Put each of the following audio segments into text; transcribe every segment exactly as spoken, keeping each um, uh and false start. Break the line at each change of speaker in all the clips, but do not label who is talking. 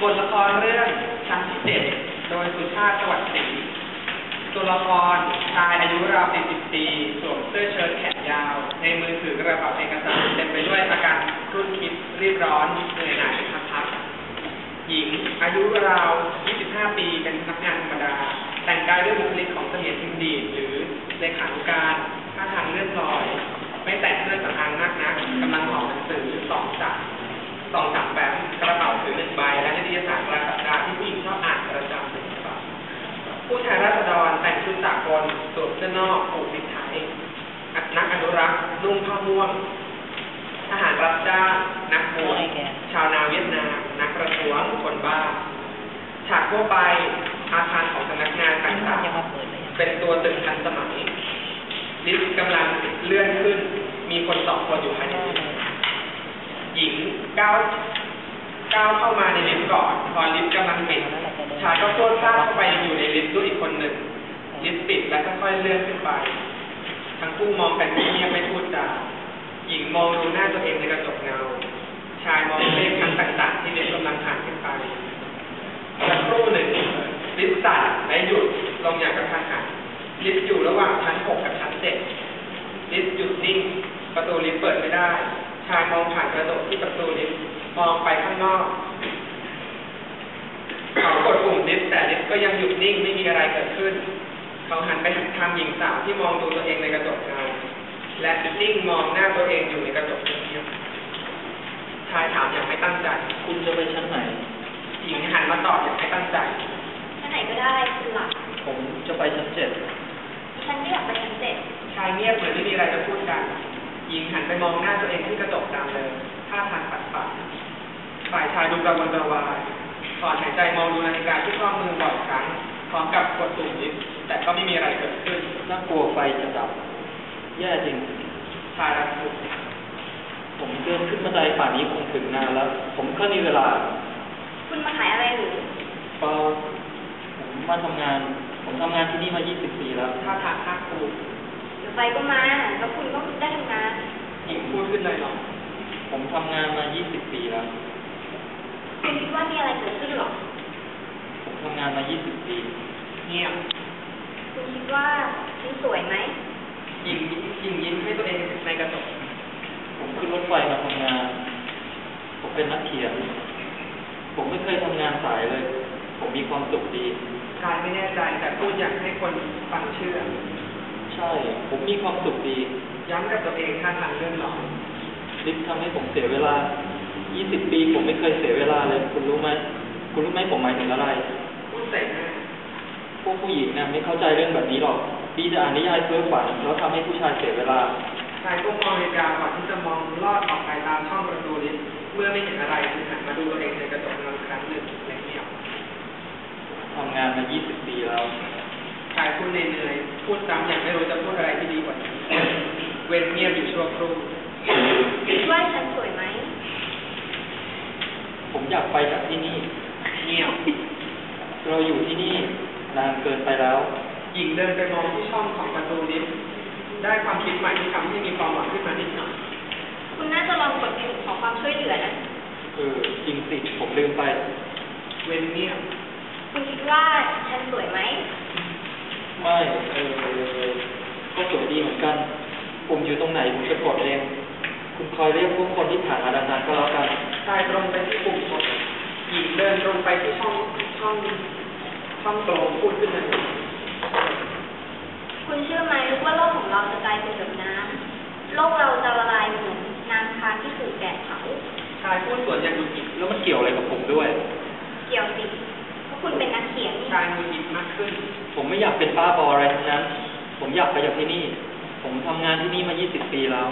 บทละครเรื่องชั้นที่เจ็ดโดยสุชาติสวัสดิ์ศรีตัวละครชายอายุราวสี่สิบปีสวมเสื้อเชิ้ตแขนยาวในมือถือกระเป๋าเอกสารเต็มไปด้วยอาการรุ่นคิดรีบร้อนเหนื่อยหน่ายพักๆหญิงอายุราวยี่สิบห้าปีเป็นพนักงานธรรมดาแต่งกายด้วยบุคลิกของเสมียนทิมดีหรือเลขานุการท่าทางเลื่อนลอยไม่แต่งเครื่องสำอางมากนักกำลังห่อหนังสือสองจักรสองจักรแบบกระเป๋าถือหนึ่งใบและนิตยสารรายสัปดาห์ที่ผู้หญิงชอบอ่านประจำหนึ่งฉบับผู้แทนราษฎรแต่งชุดสากลสวมเสื้อนอกผูกติดไทยนักอนุรักษ์นุ่งผ้าม่วงทหารรับจ้างนักบวชชาวนาเวียดนามนักประท้วงคนบ้าฉากทั่วไปอาคารของสำนักงานต่างๆเป็นตัวตึงทันสมัยลิฟต์กำลังเลื่อนขึ้นมีคนสองคนอยู่ภายในลิฟต์หญิงก้าวก้าวเข้ามาในลิฟต์ก่อนพอลิฟต์กำลังปิดชายก็โคตรพลาดเข้าไปอยู่ในลิฟต์ด้วยอีกคนหนึ่งลิฟต์ปิดแล้วค่อยๆเลื่อนขึ้นไปทั้งคู่มองกันเงียบไม่พูดจาหญิงมองดูหน้าตัวเองในกระจกเงาชายมองเลขชั้นต่างๆที่ลิฟต์กำลังผ่านขึ้นไปสักครู่หนึ่งลิฟต์สั่นและหยุดลงอย่างกระทันหันลิฟต์อยู่ระหว่างชั้นหกกับชั้นเจ็ดลิฟต์หยุดนิ่งประตูลิฟต์เปิดไม่ได้ชายมองผ่านกระจกที่ประตูลิฟต์มองไปข้างนอกเขากดปุ่มลิฟต์แต่ลิฟต์ก็ยังหยุดนิ่งไม่มีอะไรเกิดขึ้นเขาหันไปทางหญิงสาวที่มองดูตัวเองในกระจกเงาและนิ่งมองหน้าตัวเองอยู่ในกระจกเงียบชายถามอย่างไม่ตั้งใจ
คุณจะไปชั้นไหน
หญิงหันมาตอบอย่างไม่ตั้งใจ
ชั้นไหนก็ได้คุณหลัก
ผมจะไปชั้นเจ็ด
ฉันไม่อยากไปชั้นเจ็ด
ชายเงียบเหมือนไม่มีอะไรจะพูดกันหญิงหันไปมองหน้าตัวเองที่กระจกดำเลยท่าทางปัดปัดฝ่ายชายดูกระวนกระวายถอนหายใจมองดูนาฬิกาที่ข้อมือบ่อยครั้งพร้อมกับกดปุ่มลิฟต์แต่ก็ไม่มีอะไรเกิดขึ้น
น่ากลัวไฟจะดับแย่จริง
ชายรักสุด
ผมเดินขึ้นบันไดป่านนี้คงถึงนานแล้วผมก็มีเวลา
คุณมาขายอะไรหรือ
เปล่าผมมาทำงานผมทำงานที่นี่มายี่สิบปีแล้ว
ท่าทางภาคภูมิ
เดี๋ยวไฟก็มาแล้วคุณก็ได้ทำงาน
หญิงพูดขึ้นเลยหรอ
ผมทำงานมายี่สิบปีแล้ว
คุณคิดว่ามีอะไรเกิดขึ้นหรอ
ผมทำงานมายี่สิบปี
เงียบ
คุณคิดว่าฉันสวยไหม
หญิงหญิงยิ้มให้ตัวเองในกระจก
ผมขึ้นรถไฟมาทำงานผมเป็นนักเขียนผมไม่เคยทำงานสายเลยผมมีความสุขดี
ชายไม่แน่ใจแต่พูดอยากให้คนฟังเชื่อ
ใช่ผมมีความสุขดี
ย้ำกับตัวเองท่าทางเลื่อนลอย
ลิฟต์ทำให้ผมเสียเวลายี่สิบปีผมไม่เคยเสียเวลาเลยคุณรู้ไหมคุณรู้ไหมผมหมายถึงอะไร
พูดใส่หน้า
พวกผู้หญิงเนี่ยไม่เข้าใจเรื่องแบบนี้หรอกดีจะอ่านนิยายเพ้อฝันแล้วทำให้ผู้ชายเสียเวลา
ชายก็มองนาฬิกาก่อนที่จะมองลอดออกไปตามช่องประตูลิฟต์เมื่อไม่เห็นอะไรจึงหันมาดูตัวเองในกระจกเงาครั้งหนึ่งและเงียบ
ทำงานมายี่สิบปีแล้ว
ชายพูดเหนื่อยๆพูดซ้ำอย่างไม่รู้จะพูดอะไรที่ดีกว่านี้เว้นเงียบอยู่ชั่วครู่
คิดว่าฉันสวยไหม
ผมอยากไปจากที่นี่
เงียบ
เราอยู่ที่นี่นานเกินไปแล้ว
หญิงเดินไปมองที่ช่องของประตูลิฟต์ได้ความคิดใหม่ที่ทำให้มีความหวังขึ้นมานิดหน่อย
คุณน่าจะลองกดปุ่มขอความช่วยเหลือนะ
เออจริงสิผมลืมไป
เว้นเงียบ
คุณคิดว่าฉันสวยไหม
ไม่เออก็สวยดีเหมือนกันผมอยู่ตรงไหนผมจะกดเองคุณคอยเรียกพวกคนที่ผ่านมาดังนั้นก็แล้วกัน
ชายตรงไปที่ปุ่มกดหญิงเดินตรงไปที่ช่องช่องช่องโตพูดขึ้นเลย
คุณเชื่อไหมว่าโลกของเราจะกลายเป็นแบบน้ำโลกเราจะละลายเหมือนน้ำค้างที่ถูกแดดเผา
ชายพูดสวนอย่างดุจิต
แล้วมันเกี่ยวอะไรกับผมด้วย
เกี่ยวสิเพราะคุณเป็นนักเขียน
ชายดุจิตมากขึ้น
ผมไม่อยากเป็นป้าบออะไรทั้งนั้นผมอยากไปจากที่นี่ผมทำงานที่นี่มายี่สิบปีแล้ว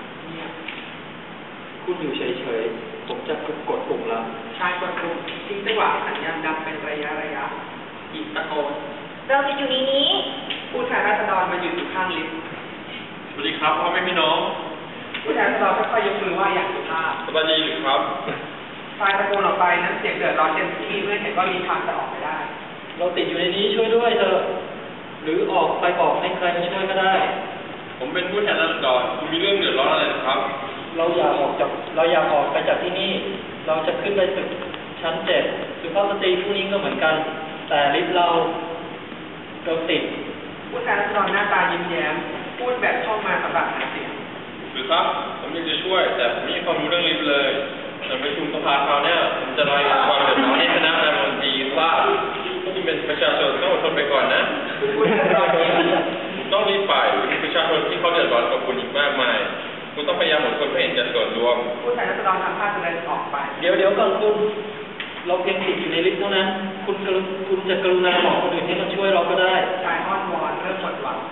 คุณอยู่เฉยๆผมจะกดปุ่มแล้ว
ชายกดปุ่มทิ้งจังหวะสัญญาณดังเป็นระยะระยะหญิงตะโกน
เราจะอยู่ในนี้
ผู้แทนราษฎรมาอยู่อยู่ข้างลิฟต์
สวัสดีครับพ่อแม่พี่น้อง
ผู้แทนราษฎรค่อยๆยกมือไหว้อย่างสุภาพ
สวัสดีหรือครับ
ชายตะโกนออกไปนั้นเสียงเดือดร้อนเต็มที่เมื่อเห็นว่ามีทางจะออกไปได้
เราติดอยู่ในนี้ช่วยด้วยเถอะหรือออกไปบอกให้ใครมาช่วยก็ได้
ผมเป็นผู้แทนราษฎรคุณมีเรื่องเดือดร้อนอะไรครับ
เราอยากออกจากเราอยากออกไปจากที่นี่เราจะขึ้นไปตึกชั้นเจ็ดสุภาพสตรีผู้นี้ก็เหมือนกัน แต่ลิฟต์เราเราติด
ผู้ชายรัศดรหน้าตายิ้มแย้มพูดแบบเข้ามาสำหรับหาเสียง
หรือครับ ผมอยากจะช่วย แต่ผมไม่มีความรู้เรื่องลิฟต์เลยในประชุมสภาคราวหน้าผมจะรายงานความเดือดร้อนให้คณะรัฐมนตรีทราบพวกคุณเป็นประชาชนต้องอดทนไปก่อนนะ
ผู้ชายรัศดรยิ้ม
คุณต้องรีบไปมีประชาชนที่เขาเดือดร้อนกับคุณอีกมากมาย คุณต้องพยายามอดทนเพื่อเห็นแก่ส่วนรวม
ผู้ชายรัศดรทำท่าจะเดินออกไป
เดี๋ยวเดี๋ยวก่อนคุณ เราเพียงติดอยู่ในลิฟต์เท่านั้น คุณกรุคุณจะกรุณาบอกคนอื่นให้มาช่วยเราก็ได้
ชายอ้อนวอนเริ่มหมดหวัง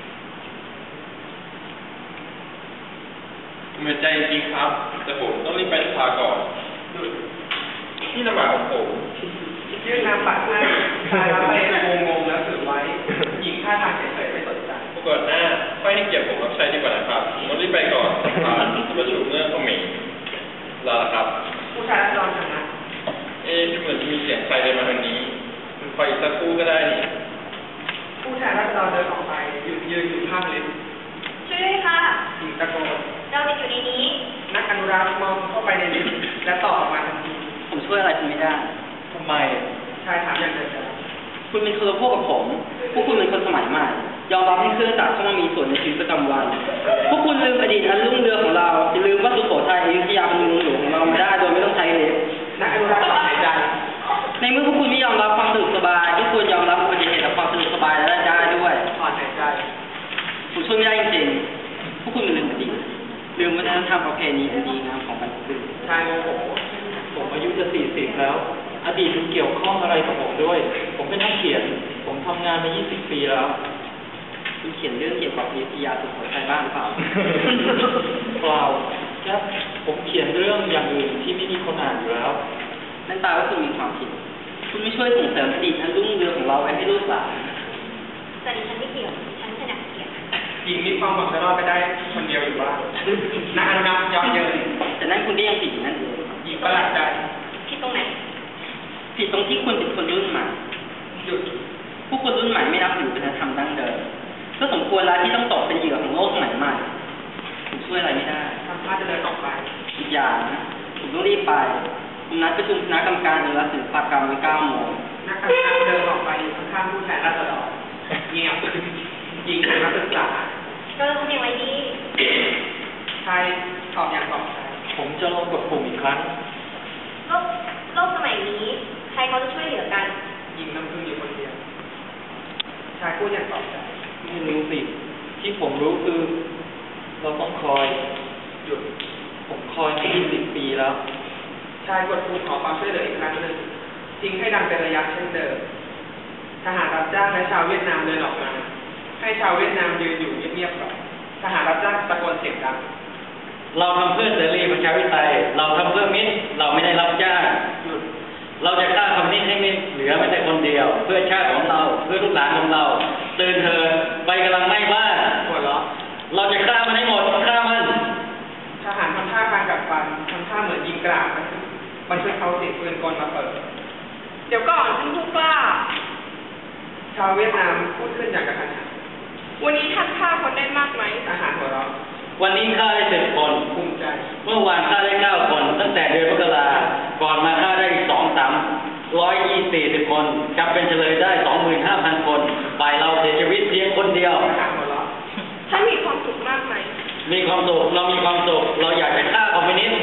ผมเป็นใจจริงๆครับ แต่ผมต้องรีบไปสภาก่อน
หยุด
นี่นามบัตรของผม
ยื่นนามบัตรให้ชายรับไปงงๆแล้วถือไว้ หญิงท่าทางเฉยๆไม่สนใจ
ปรากฏหน้าค่อยให้เกียรติผมรับใช้ดีกว่านะครับผมต้องรีบไปก่อนสภาจะประชุมเมื่อเขามีลาละครับ
ผู้ชายรัศดรชนะ
เอ๊ะเหมือนจะมีเสียงใครเดินมาทางนี้คุณคอยอีกสักครู่ก็ได้นี่
ผู้ชายรัศดรเดินออกไปหยุดยืนอยู่ข้างลิฟต์
ช่วยด้วยค่ะ
หญิงตะโกน
เราติดอยู่ในนี้
นักอนุรักษ์มองเข้าไปในลิฟต์และตอบออกมาทันที
ผมช่วยอะไรคุณไม่ได้
ทำไม
ชายถามอย่างเดิม
คุณเป็นคนละพวกกับผม พวกคุณเป็นคนสมัยใหม่ ยอมรับให้เครื่องจักรเข้ามามีส่วนในชีวิตประจำวัน พวกคุณลืมอดีตอันรุ่งเรืองของเราอย่าลืมว่าสุโขทัยอยุธยาเป็นเมืองหลวงของเรามาได้โดยไม่ต้องใช้ลิฟต์
นักอนุรักษ์ถอนหายใจ
ในเมื่อพวกคุณไม่ยอมรับความสะดวกสบายพวกคุณยอมรับอุบัติเหตุและความสะดวกสบายได้ได้ด้วย
ถอนหายใจ
ผมช่วยไม่ได้จริงๆ พวกคุณลืมอดีตลืมวัฒนธรรมประเพณีอันดีงามของบรรพบุรุษ
ชายโมโห
ผมอายุจะสี่สิบแล้ว อดีตมันเกี่ยวข้องอะไรกับผมด้วย ผมเป็นนักเขียน ผมทำงานมายี่สิบปีแล้ว
คุณเขียนเรื่องเกี่ยวกับอยุธยาสุโขทัยบ้างหรือเปล่า
เปล่าแค่ผมเขียนเรื่องอย่างอื่นที่ไม่มีคนอ่านอยู่แล้ว
นั่นแปลว่าคุณมีความผิด คุณไม่ช่วยส่งเสริมอดีตอันรุ่งเรืองของเราไว้ให้ลูกหลาน
แต่ดิฉันไม่เกี่ยวดิฉันขนาดเขียน
หญิงมีความหวังจะรอดไปได้คนเดียวอยู่บ้างนักอนุรักษ์ย้อนเยิน
แต่นั่นคุณก็ยังผิดอยู่นั่นเอง
หญิงประหลาดใจ
ผิดตรงไหน
ผิดตรงที่คุณเป็นคนรุ่นใหม่
หยุด
ผู้คนรุ่นใหม่ไม่รับถือวัฒนธรรมดั้งเดิมก็สมควรแล้วที่ต้องตกเป็นเหยื่อของโลกสมัยใหม่ผมช่วยอะไรไม่ได้
ทำท่าจะเดินออกไป
อีกอย่างนะผมต้องรีบไปผมนัดประชุมคณะกรรมการอนุรักษ์ศิลปกรรมไว้เก้าโมง
นักอนุรักษ์เดินออกไปอยู่ข้างๆผู้แทนราษฎรเงียบหญิงหันมาปรึกษา
เราจะทำอย่างไรดี
ชายตอบอย่างปลอบใจ
ผมจะลองกดปุ่มอีกครั้ง
โลกโลกสมัยนี้ ใครเขาจะช่วยเหลือกัน
หญิงน้ำพึ่งอยู่คนเดียว ชายพูดอย่างปลอบใจ
ไม่รู้สิ ที่ผมรู้คือ เราต้องคอย
หยุด
ผมคอยมายี่สิบปีแล้ว
ชายกดปุ่มขอความช่วยเหลืออีกครั้งหนึ่งทิ้งให้ดังเป็นระยะเช่นเดิม ทหารรับจ้างและชาวเวียดนามเดินออกมา ให้ชาวเวียดนามยืนอยู่เงียบๆก่อนทหารรับจ้างตะโกนเสียงดัง
เราทำเพื่อเสรีประชาธิปไตยเราทำเพื่อมิตร เราไม่ได้รับจ้าง
หยุด
เราจะฆ่าคอมมิวนิสต์ให้ไม่เหลือไม่แต่คนเดียว เพื่อชาติของเรา เพื่อลูกหลานของเรา ตื่นเถิดไฟกำลังไหม้บ้าน
หัวเราะ
เราจะฆ่ามันให้หมดฆ่ามัน
ทหารทำท่าการกัดฟันทำท่าเหมือนยิงกราดมันช่วยเขาเสียงปืนกลมาเปิด
เดี๋ยวก่อนท่านผู้กล้า
ชาวเวียดนามพูดขึ้นอย่างกระทันหัน
วันนี้ท่านฆ่าคนได้มากไหม
ทหารหัวเราะ
วันนี้ฆ่าได้สิบคน
ภูมิใจ
เมื่อวานฆ่าได้เก้าคน ตั้งแต่เดือนมกราก่อนมาฆ่าได้สองสามร้อยยี่สี่สิบคนจับเป็นเฉลยได้สองหมื่นห้าพันคนฝ่ายเราเสียชีวิตเพียงคนเดียว
ทหารหัวเราะ
ท่านมีความสุขมากไหม
มีความสุขเรามีความสุขเราอยากจะฆ่าคอมมิวนิสต์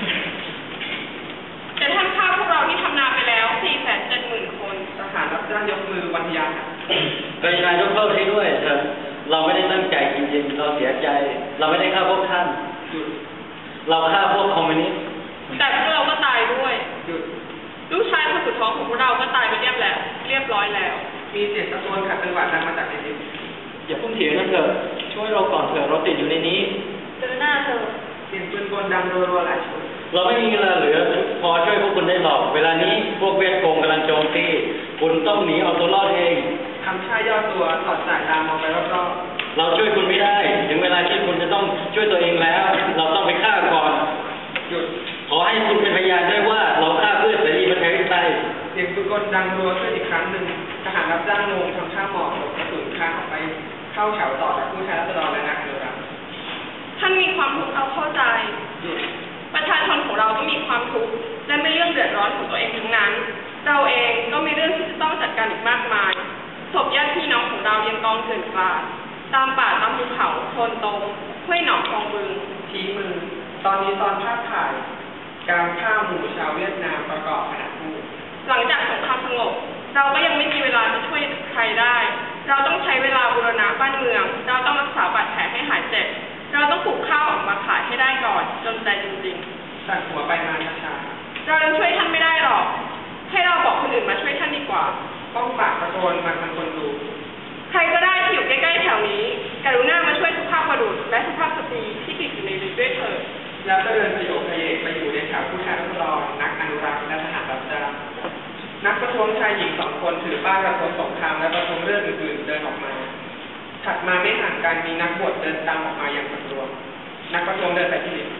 แต่ท่านฆ่าพวกเราที่ทำนาไปแล้ว สี่แสนเจ็ดหมื่น คน
ทหารรับจ้างยกมือวันทยา
กรุณายกโทษให้ด้วยเถอะเราไม่ได้ตั้งใจจริงๆเราเสียใจ เราไม่ได้ฆ่าพวกท่าน
หยุด
เราฆ่าพวกคอมมิวนิสต์
แต่พวกเราก็ตายด้วย
หยุด
ลูกชายคนสุดท้องของพวกเราก็ตายไปเรียบแล้ว เรียบร้อยแล้ว
มีเสียงตะโกนขัดจังหวะดังมาจากในลิฟต์
อย่าพุ่งเถียงกันเถอะ ช่วยเราก่อนเถอะเราติดอยู่ในนี้
เจอหน้าเธอ
เสียงปืนกลดังรัวๆหลายชุด
เราไม่มีเวลาเหลือพอช่วยพวกคุณได้หรอก เวลานี้พวกเวียดโกงกำลังโจมตีคุณต้องหนีเอาตัวรอดเอง
ทำท่าย่อตัวสอดสายตามองไปรอบ
เราช่วยคุณไม่ได้ ถึงเวลาที่คุณจะต้องช่วยตัวเองแล้ว เราต้องไปฆ่าก่อน
ๆหยุด
ขอให้คุณเป็นพยานได้ว่าเราฆ่าเพื่อเสรีประชาธิปไตย
เสียงปืนกลดังรัวขึ้นอีกครั้งหนึ่งทหารรับจ้างลงทำท่าหมอบหลบกระสุนข้างออกไปเข้าแถวต่อจากผู้ชายรัศดรและนักอนุรักษ์
ท่านมีความทุกข์เอาเข้าใจ
หยุด
ประชา
ชนของเราก็มีความทุกข์และมีเรื่องเดือดร้อนของตัวเองทั้งนั้นเราเองก็มีเรื่องที่จะต้องจัดการอีกมากมายศพญาติพี่น้องของเรายังกองเกลื่อนกลาดตามป่าตามภูเขาโคลนตมห้วยหนองคลองบึง
ชี้มือ ตอนนี้ตอนภาพถ่าย การฆ่าหมู่ชาวเวียดนามประกอบขณะพูด
หลังจากสงครามสงบเราก็ยังไม่มีเวลาจะช่วยใครได้ เราต้องใช้เวลาบูรณะบ้านเมือง เราต้องรักษาบาดแผลให้หายเจ็บ เราต้องปลูกข้าวออกมาขายให้ได้ก่อนจนใจจริง
สั่นหัวไปมาช้า
ๆ เรายังช่วยท่านไม่ได้หรอก ให้เราบอกคนอื่นมาช่วยท่านดีกว่า
ๆป้องปากตะโกนมาทางคนดู
ใครก็ได้ที่อยู่ใกล้ๆแถวนี้ กรุณามาช่วยสุภาพบุรุษและสุภาพสตรีที่ติดอยู่ในลิฟต์ด้วยเถิด
แล้วก็เดินประโยคพระเอกไปอยู่ในแถวผู้แทนรัษฎรนักอนุรักษ์และทหารรับจ้างนักประท้วงชายหญิงสองคนถือป้ายประท้วงสงครามและประท้วงเรื่องอื่นๆเดินออกมา ถัดมาไม่ห่างกันมีนักบวชเดินตามออกมาอย่างประท้วงนักประท้วงเดินไปที่ลิฟต์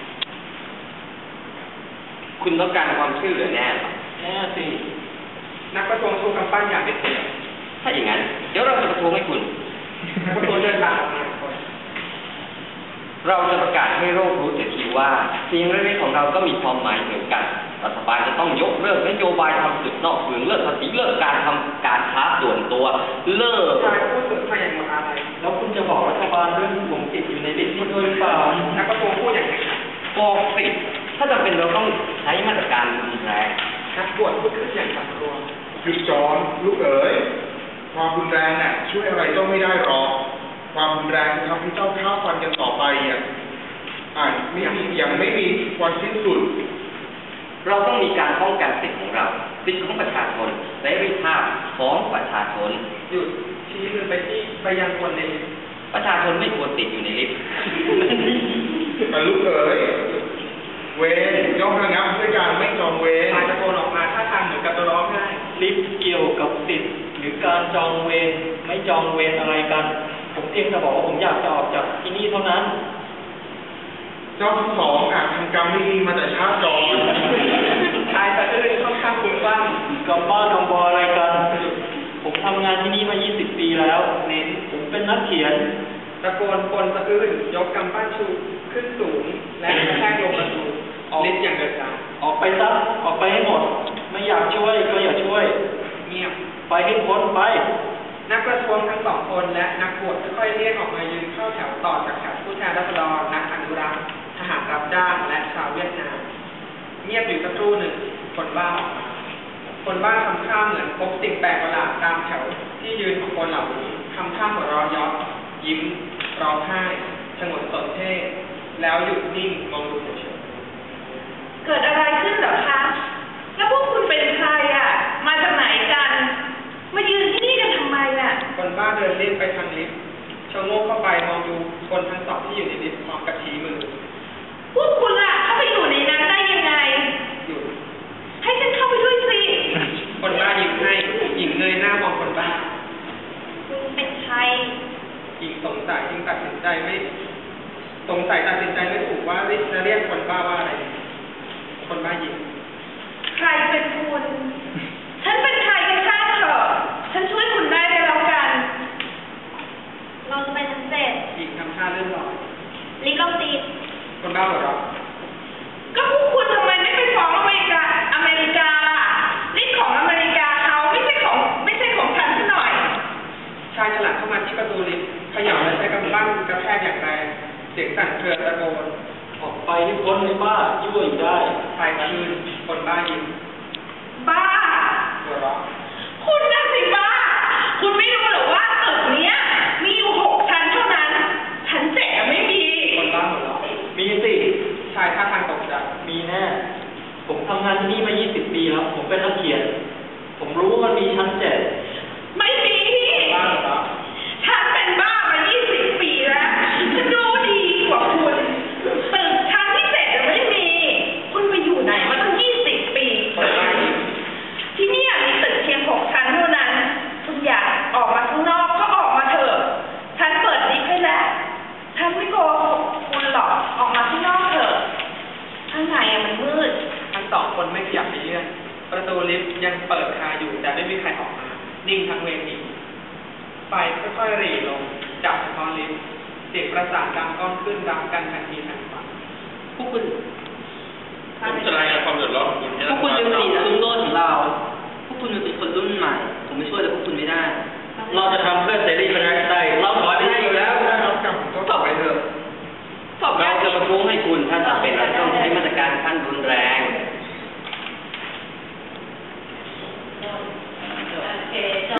คุณต้องการความช่วยเหลือแน่หรอ
แน่สิ
นักประท้วงชูกำปั้นอย่างเด็ดเดี่ยว
ถ้าอย่างนั้น เดี๋ยวเราจะประท้วงให้คุณ
นักประท้วงเดินตามออกมาคน
เราจะประกาศให้โลกรู้เสียทีว่าเสียงเล็กๆของเราก็มีความหมายเหมือนกันรัฐบาลจะต้องยกเลิกนโยบายทำศึกนอกเมืองเลิกภาษีเลิกการทำการค้าส่วนตัวเลิก
ชายพูดถึงพยัญชนะอะไร
แล้วคุณจะบอกรัฐบาลเรื่องที่ผมติดอยู่ในลิสต์นี้ด้วยหรือเปล่า
นักประท้วงพูดอย่างไรครับ
บอกสิถ้าจำเป็นเราต้องใช้มาตรการรุนแรง
นักบวชพูดขึ้นอย่างสำรวม
หยุดจอนลูกเอ๋ยความรุนแรงน่ะช่วยอะไรเจ้าไม่ได้หรอกความรุนแรงจะทำให้เจ้าฆ่าฟันกันต่อไปอ่ะอ่าไม่มียังไม่มีวันสิ้นสุด
เราต้องมีการป้องกันสิทธิของเราสิทธิของประชาชนเสรีภาพของประชาชน
หยุดชี้มือไปที่ไปยังคนในลิฟต์
ประชาชนไม่ควรติดอยู่ในลิฟต์
แต่ลูกเอ๋ยเวรย่อมระงับด้วยการไม่จองเวร
ชายตะโกนออกมาท่าทางเหมือนกับจะร้องไห้
ลิฟต์เกี่ยวกับสิทธิ์หรือการจองเวรไม่จองเวรอะไรกัน ผมเพียงแต่บอกว่าผมอยากจะออกจากที่นี่เท่านั้น
เจ้าทั้งสองอาจทำกรรมไม่ดีมาแต่ชาติก่อน
ชายสะอื้นค่อนข้างคุ้นบ้าง
กับบ้านกับบออะไรกัน ผมทำงานที่นี่มา ยี่สิบ ปีแล้ว
เน้น
ผมเป็นนักเขียน
ตะโกนปนสะอื้นยกกำปั้นชูขึ้นสูง และกระแทกลงประตูลิฟต์อย่างเดือดดาล
ออกไปซะออกไปให้หมด ไม่อยากช่วยก็อย่าช่วย
เงียบ
ไปให้พ้นไป
นักประท้วงทั้งสองคนและนักบวชค่อยๆเรียกออกมายืนเข้าแถวต่อจากแถวผู้แทนราษฎรนักอนุรักษ์ทหารรับจ้างและชาวเวียดนามเงียบอยู่สักครู่หนึ่งคนบ้าออกมาคนบ้าทำท่าเหมือนพบสิ่งแปลกประหลาดตามแถวที่ยืนของคนเหล่านี้ทำท่าหัวเราะเยาะยิ้มร้องไห้ชงนสนเท่แล้วหยุดนิ่งมองดูเฉย
เกิดอะไรขึ้นเหรอคะ แล้วพวกคุณเป็นใครอ่ะ มาจากไหนกัน มายืนที่นี่กันทำไมอ่ะ
ๆคนบ้าเดินเล่นไปทางลิฟต์ชะโงกเข้าไปมองดูคนทั้งสองที่อยู่ในลิฟต์พร้อมกับชี้มือ
พวกคุณล่ะเข้าไปอยู่ในนั้นได้ยังไง
หยุด
ให้ฉันเข้าไปด้วยสิ
คนบ้ายิ้มให้หญิงเงยหน้ามองคนบ้า
คุณเป็นใคร
หญิงสงสัยจึงตัดสินใจไม่สงสัยตัดสินใจไม่ถูกว่าจะเรียกคนบ้าว่าอะไร คนบ้ายิ้ม
ใครเป็นคุณ ฉันเป็นใครกันช่างเถอะ ฉันช่วยคุณได้ก็แล้วกัน
เราจะไปชั้นเจ็ด
หญิงทำท่าเลื่อนลอย
ลิฟต์เราติด
คนบ้าหัวเราะ
ก็พวกคุณทำไมไม่ไปฟ้องอเมริกา อเมริกาล่ะนี่ของอเมริกาเขาไม่ใช่ของไม่ใช่ของฉันซะหน่อย
ชายฉลาดเข้ามาที่ประตูลิฟต์เขย่าและใช้กำปั้นกระแทกอย่างแรงเสียงสั่นเครือตะโกน
ออกไปให้พ้นเลยป้ายั่วอยู่ได้
ชายคืนคนบ้ายิ้ม
บ้า
หัวเราะ
คุณน่ะสิบ้า คุณไม่รู้หรอว่าตึกเนี้ยมีอยู่หกชั้นเท่านั้น ชั้นเจ็ดไม่มี
คนบ้าหัวเราะ
มีสิ
ชายท่าทางตกใจ
มีแน่ ผมทำงานที่นี่มา ยี่สิบ ปีแล้ว ผมเป็นนักเขียน ผมรู้ว่ามันมีชั้นเจ็ด
ไม่มี
คนบ้าหัวเราะ
ฉันเป็นบ้ามายี่สิบปีแล้ว ฉันรู้ดีกว่าคุณ ตึกชั้นที่เจ็ดไม่มี คุณไปอยู่ไหนมาตั้งยี่สิบปี
คนบ้ายิ้ม
ที่เนี่ยมีตึกเพียงหกชั้นเท่านั้น คุณอยากออกมาข้างนอกก็ออกมาเถอะ ฉันเปิดลิฟต์ให้แล้ว ฉันไม่โกหกคุณหรอก ออกมาข้างนอกเถอะ ข้างในอะมันมืด
ทั้งสองคนไม่ขยับไปเยื่อนประตูลิฟต์ยังเปิดคาอยู่แต่ไม่มีใครออกมา นิ่งทั้งเวทีไฟค่อยๆหรี่ลงจับเฉพาะลิฟต์เสียงประสานดังก้องขึ้นรับกันทันทีทันควัน
พวกคุณ
ผมจะรายงานความเดือดร้อนของคุณให้
พวกคุณลืมอดีตอันรุ่งโรจน์ของเรา พวกคุณเป็นคนรุ่นใหม่ ผมไม่ช่วยอะไรพวกคุณไม่ได้
เราจะทำเพื่อ